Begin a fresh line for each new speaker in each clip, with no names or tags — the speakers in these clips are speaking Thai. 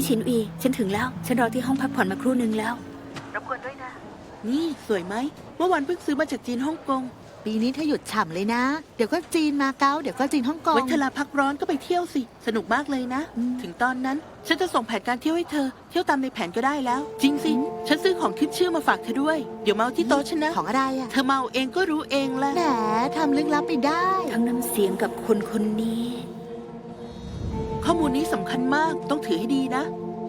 พี่ชินอีฉันถึงแล้วฉันรอที่ห้องพักผ่อนมาครู่นึงแล้วรบกวนด้วยนะ
นี่สวยไหมเมื่อวานเพิ่งซื้อมาจากจีนฮ่องกง
ปีนี้เธอหยุดฉ่ำเลยนะเดี๋ยวก็จีนมาเก๊าเดี๋ยวก็จีนฮ่องกง
ไว้เวลาพักร้อนก็ไปเที่ยวสิสนุกมากเลยนะถึงตอนนั้นฉันจะส่งแผนการเที่ยวให้เธอเที่ยวตามในแผนก็ได้แล้วจริงสิฉันซื้อของขึ้นชื่อมาฝากเธอด้วยเดี๋ยวเมาที่โต๊ะฉันนะ
ของอะไรอ่ะ
เธอเมาเองก็รู้เองแหละ
แหมทำลึกลับไปได้
ทั้งน้ำเสียงกับคนคนนี้
ข้อมูลนี้สำคัญมากต้องถือให้ดีนะ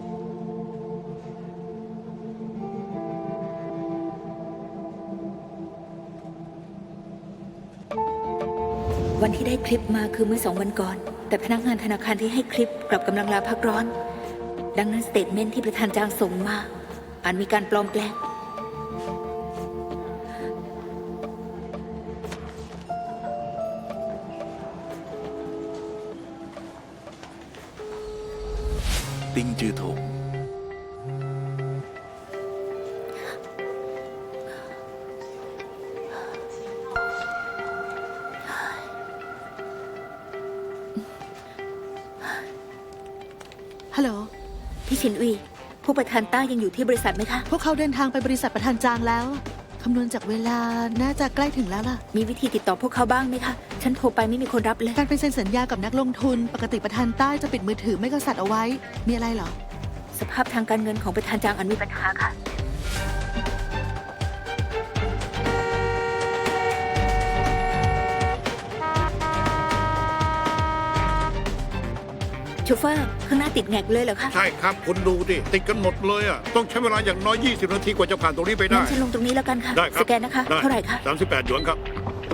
วันที่ได้คลิปมาคือเมื่อ2 วันก่อน แต่พนักงานธนาคารที่ให้คลิปกลับกำลังลาพักร้อน ดังนั้นสเตทเมนต์ที่ประธานจางส่งมาอาจมีการปลอมแปลง
ติงจือถง
ฮัลโหล
พี่ชินอีผู้ประธานต้ายังอยู่ที่บริษัทไหมคะ
พวกเขาเดินทางไปบริษัทประธานจางแล้วคำนวณจากเวลาน่าจะใกล้ถึงแล้วล่ะ
มีวิธีติดต่อพวกเขาบ้างไหมคะฉันโทรไปไม่มีคนรับเลย
การไปเซ็นสัญญากับนักลงทุนปกติประธานใต้จะปิดมือถือไม่ก็สัตว์เอาไว้มีอะไรเหรอ
สภาพทางการเงินของประธานจางอันมีปัญหาค่ะโชเฟอร์ข้างหน้าติดแงกเลยเหรอคะ
ใช่ครับคุณดูดิติดกันหมดเลยอ่ะต้องใช้เวลาอย่างน้อย20 นาทีกว่าจะผ่านตรงนี้ไปได้
งั้นฉันลงตรงนี้แล้วกันค่ะ
ได้ครับ
สแกนนะคะเท่าไหร่คะ
38 หยวนครับ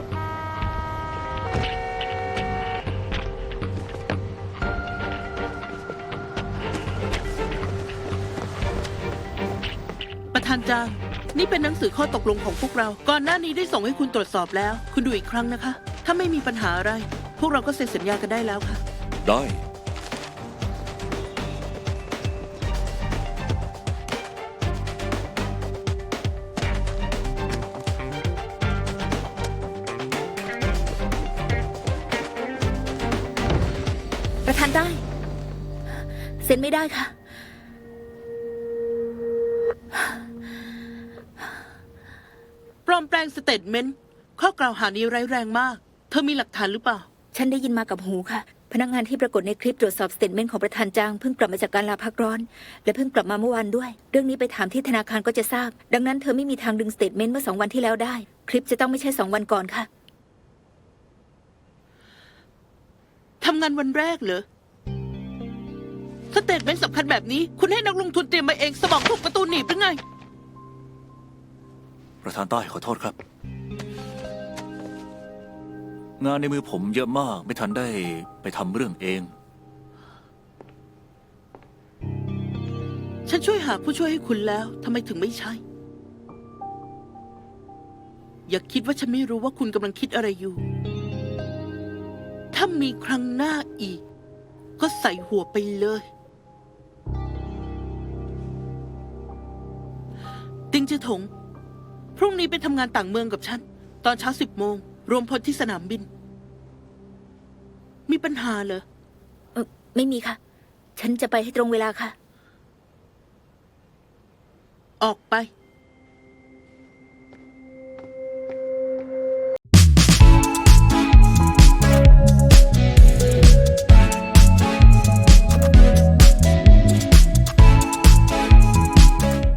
ประธานจางนี่เป็นหนังสือข้อตกลงของพวกเราก่อนหน้านี้ได้ส่งให้คุณตรวจสอบแล้วคุณดูอีกครั้งนะคะ ถ้าไม่มีปัญหาอะไร พวกเราก็เซ็นสัญญากันได้แล้วค่ะ
ได้
ประธานได้เซ็นไม่ได้ค่ะ
ปลอมแปลงสเตทเมนต์ข้อกล่าวหานี้ร้ายแรงมากเธอมีหลักฐานหรือเปล่า
ฉันได้ยินมากับหูค่ะพนักงานที่ปรากฏในคลิปตรวจสอบสเตทเมนต์ของประธานจางเพิ่งกลับมาจากการลาพักร้อนและเพิ่งกลับมาเมื่อวานด้วยเรื่องนี้ไปถามที่ธนาคารก็จะทราบดังนั้นเธอไม่มีทางดึงสเตทเมนต์เมื่อ2 วันที่แล้วได้คลิปจะต้องไม่ใช่2 วันก่อนค่ะ
ทำงานวันแรกเหรอสเตทเมนต์สำคัญแบบนี้คุณให้นักลงทุนเตรียมมาเองสมองถูกประตูหนีบหรือไง
ประธานใต้ขอโทษครับงานในมือผมเยอะมากไม่ทันได้ไปทำเรื่องเอง
ฉันช่วยหาผู้ช่วยให้คุณแล้วทำไมถึงไม่ใช่ อย่าคิดว่าฉันไม่รู้ว่าคุณกำลังคิดอะไรอยู่ถ้ามีครั้งหน้าอีกก็ใส่หัวไปเลยติงจือถงพรุ่งนี้ไปทำงานต่างเมืองกับฉันตอนเช้า10 โมงรวมพลที่สนามบินมีปัญหาเหรอ
ไม่มีค่ะฉันจะไปให้ตรงเวลาค่ะ
ออกไป